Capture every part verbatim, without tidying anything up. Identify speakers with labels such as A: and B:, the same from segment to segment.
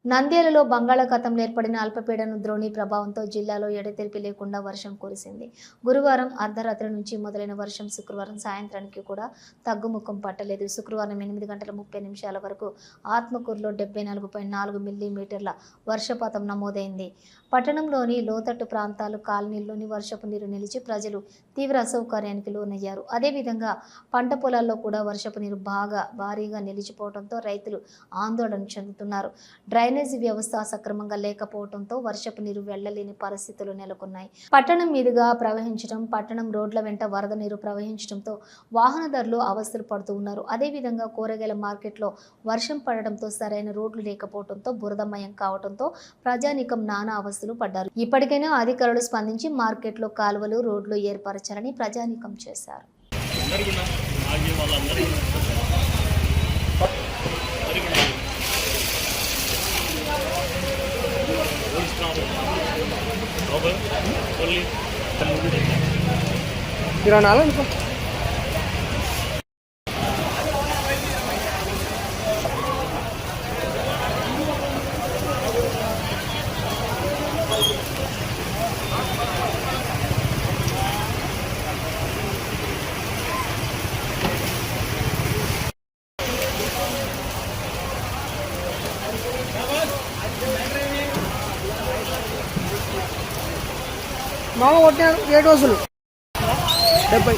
A: నంద్యాలలో బంగాళాఖాతంలో ఏర్పడిన అల్పపీడన ద్రోణి ప్రభావంతో జిల్లాలో ఎడతెరిపి లేకుండా వర్షం కురిసింది. గురువారం అర్ధరాత్రి నుంచి మొదలైన వర్షం శుక్రవారం సాయంత్రానికి కూడా తగ్గుముఖం పట్టలేదు. శుక్రవారం ఎనిమిది గంటల ముప్పై నిమిషాల వరకు ఆత్మకూరులో డెబ్బై నాలుగు పాయింట్ నాలుగు మిల్లీమీటర్ల వర్షపాతం నమోదైంది. పట్టణంలోని లోతట్టు ప్రాంతాలు, కాలనీల్లోని వర్షపు నీరు నిలిచి ప్రజలు తీవ్ర అసౌకర్యానికి లోనయ్యారు. అదేవిధంగా పంట పొలాల్లో కూడా వర్షపు నీరు బాగా భారీగా నిలిచిపోవడంతో రైతులు ఆందోళన చెందుతున్నారు. డ్రైనేజీ వ్యవస్థ సక్రమంగా లేకపోవడంతో వర్షపు నీరు వెళ్లలేని పరిస్థితులు నెలకొన్నాయి. పట్టణం మీదుగా ప్రవహించడం, పట్టణం రోడ్ల వెంట వరద నీరు ప్రవహించడంతో వాహనదారులు అవస్థలు పడుతూ ఉన్నారు. అదేవిధంగా కూరగాయల మార్కెట్లో వర్షం పడడంతో సరైన రోడ్లు లేకపోవడంతో బురదమయం కావడంతో ప్రజానీకం నానా అవస్థలు పడ్డారు. ఇప్పటికైనా అధికారులు స్పందించి మార్కెట్లో కాలువలు, రోడ్లు ఏర్పరచాలని ప్రజానీకం చేశారు.
B: మామ కొట్టాడు ఏడు రోజులు డెబ్బై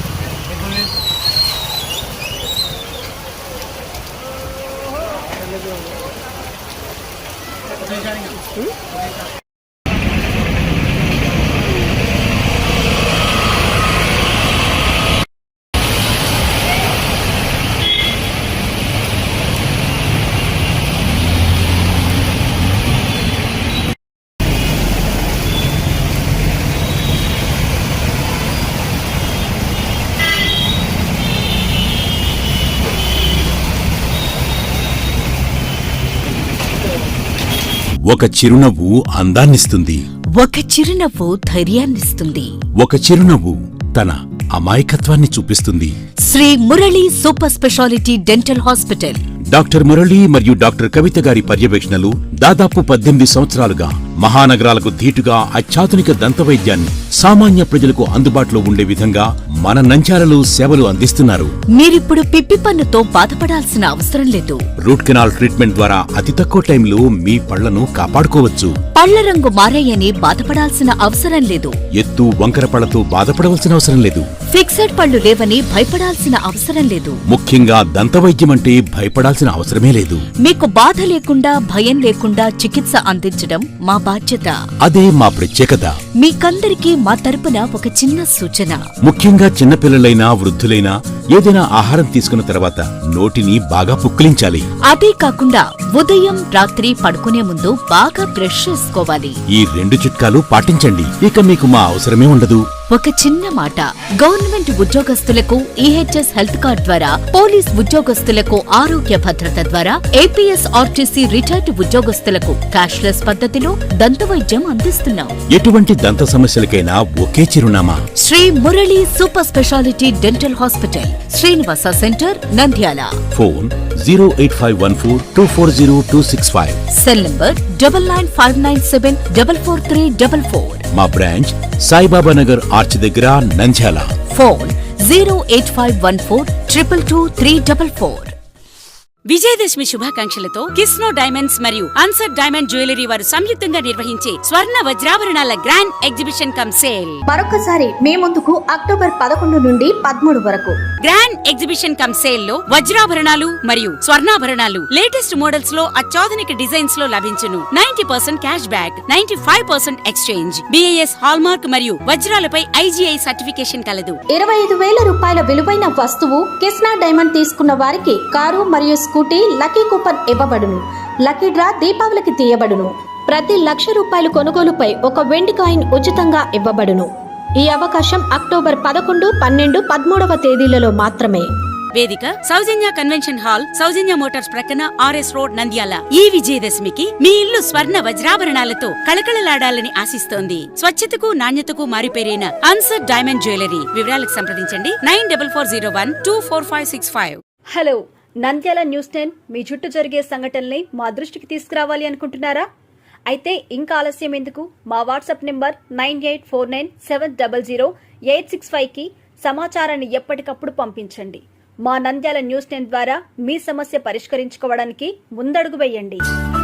C: ఒక చిరునవ్వు అందాన్నిస్తుంది.
D: ఒక చిరునవ్వు ధైర్యాన్నిస్తుంది.
C: ఒక చిరునవ్వు తన అమాయకత్వాన్ని చూపిస్తుంది.
D: Sri Murali super speciality dental hospital.
C: Doctor Murali మరియు డాక్టర్ కవిత గారి పర్యవేక్షణలు దాదాపు పద్దెనిమిది సంవత్సరాలుగా మహానగరాలకు ధీటుగా అత్యాధునిక దంతవైద్యాన్ని సామాన్య ప్రజలకు అందుబాటులో ఉండే విధంగా మన నంద్యాలలో సేవలు అందిస్తున్నారు.
D: మీరిప్పుడు పిప్పి పన్నుతో బాధపడాల్సిన అవసరం లేదు.
C: రూట్ కెనాల్ ట్రీట్మెంట్ ద్వారా అతి తక్కువ టైంలో మీ పళ్లను కాపాడుకోవచ్చు.
D: పళ్ల రంగు మారాయని బాధపడాల్సిన అవసరం లేదు.
C: ఎత్తు వంకర పళ్లతో బాధపడవలసిన అవసరం లేదు.
D: ఫిక్సెడ్ పళ్లు లేవని భయపడాల్సిన అవసరం లేదు.
C: ముఖ్యంగా దంతవైద్యం అంటే భయపడాల్సిన అవసరమే లేదు.
D: మీకు బాధ లేకుండా, భయం లేకుండా చికిత్స అందించడం మా బాధ్యత.
C: అదే మా ప్రత్యేకత.
D: మీకందరికీ మా తరపున ఒక చిన్న సూచన.
C: ముఖ్యంగా చిన్నపిల్లలైనా, వృద్ధులైనా ఏదైనా ఆహారం తీసుకున్న తర్వాత నోటిని బాగా పుక్కిలించాలి.
D: అదే కాకుండా ఉదయం, రాత్రి పడుకునే ముందు బాగా బ్రష్ చేసుకోవాలి.
C: ఈ రెండు చిట్కాలు పాటించండి. ఇక మీకు మా అవసరమే ఉండదు.
D: ఒక చిన్న మాట, గవర్నమెంట్ ఉద్యోగస్తులకు ఈహెచ్ఎస్ హెల్త్ కార్డ్ ద్వారా, పోలీస్ ఉద్యోగస్తులకు ఆరోగ్య భద్రత ద్వారా, ఏపీఎస్ ఆర్టీసీ రిటైర్డ్ ఉద్యోగస్తులకు క్యాష్లెస్ పద్ధతిలో దంతవైద్యం అందిస్తున్నాం.
C: ఎటువంటి దంత సమస్యలకైనా ఒకే చిరునామా,
D: Sri Murali super speciality dental hospital, Srinivasa center, Nandyal.
C: Phone zero eight five one four two four zero two six five.
D: Cell number double nine five nine seven double four three double four.
C: మా బ్రాంచ్ సాయిబాబా నగర్ ఆర్చ్ దగ్గర, Nandyal.
D: Phone zero eight five one four triple two three double four.
E: విజయదశమి శుభాకాంక్షలతో Kisna diamonds మరియు అన్సర్ diamond jewellery వారు సంయుక్తంగా నిర్వహించే స్వర్ణ వజ్రాభరణాల గ్రాండ్ ఎగ్జిబిషన్ కమ్ సేల్
A: మరొకసారి మే ముందుకు అక్టోబర్ పదకొండు నుండి పదమూడు వరకు
E: గ్రాండ్ ఎగ్జిబిషన్ కమ్ సేల్ లో వజ్రాభరణాలు మరియు స్వర్ణాభరణాలు లేటెస్ట్ మోడల్స్ లో అత్యాధునిక డిజైన్స్ లో లభించును. Ninety percent cash back, ninety five percent exchange, BIS hallmark మరియు వజ్రాలపై ఐజీఐ సర్టిఫికేషన్ కలదు.
A: ఇరవై ఐదు వేల రూపాయల విలువైన వస్తువు కిస్నా డైమండ్ తీసుకున్న వారికి కారు మరియు స్కూటీ లక్కీ కూపన్ ఇవ్వబడును. లక్కీ డ్రా దీపావళికి తీయబడును. ప్రతి లక్ష రూపాయల కొనుగోలుపై ఒక వెండి కాయిన్ ఉచితంగా ఇవ్వబడును. ఈ అవకాశం అక్టోబర్ పదకొండు, పన్నెండు, పదమూడవ తేదీలలో మాత్రమే.
E: వేదిక Sowjanya convention hall, Sowjanya motors ప్రక్కన, ఆర్ఎస్ రోడ్, నంద్యాల. ఈ విజయదశమికి మీ ఇల్లు స్వర్ణ వజ్రాభరణాలతో కళకళలాడాలని ఆశిస్తోంది. స్వచ్ఛతకు, నాణ్యతకు మారిపేరైన అన్సర్ డైమండ్ జ్యువెలరీ. వివరాలకు సంప్రదించండి nine double four zero one two four five six five.
F: Hello, Nandyal news ten మీ చుట్టూ జరిగే సంఘటనల్ని మా దృష్టికి తీసుకురావాలి అనుకుంటున్నారా? అయితే ఇంకా ఆలస్యం ఎందుకు? మా WhatsApp number nine eight four nine seven double zero eight six five కి సమాచారాన్ని ఎప్పటికప్పుడు పంపించండి. మా నంద్యాల న్యూస్ టెన్ ద్వారా మీ సమస్య పరిష్కరించుకోవడానికి ముందడుగు వేయండి.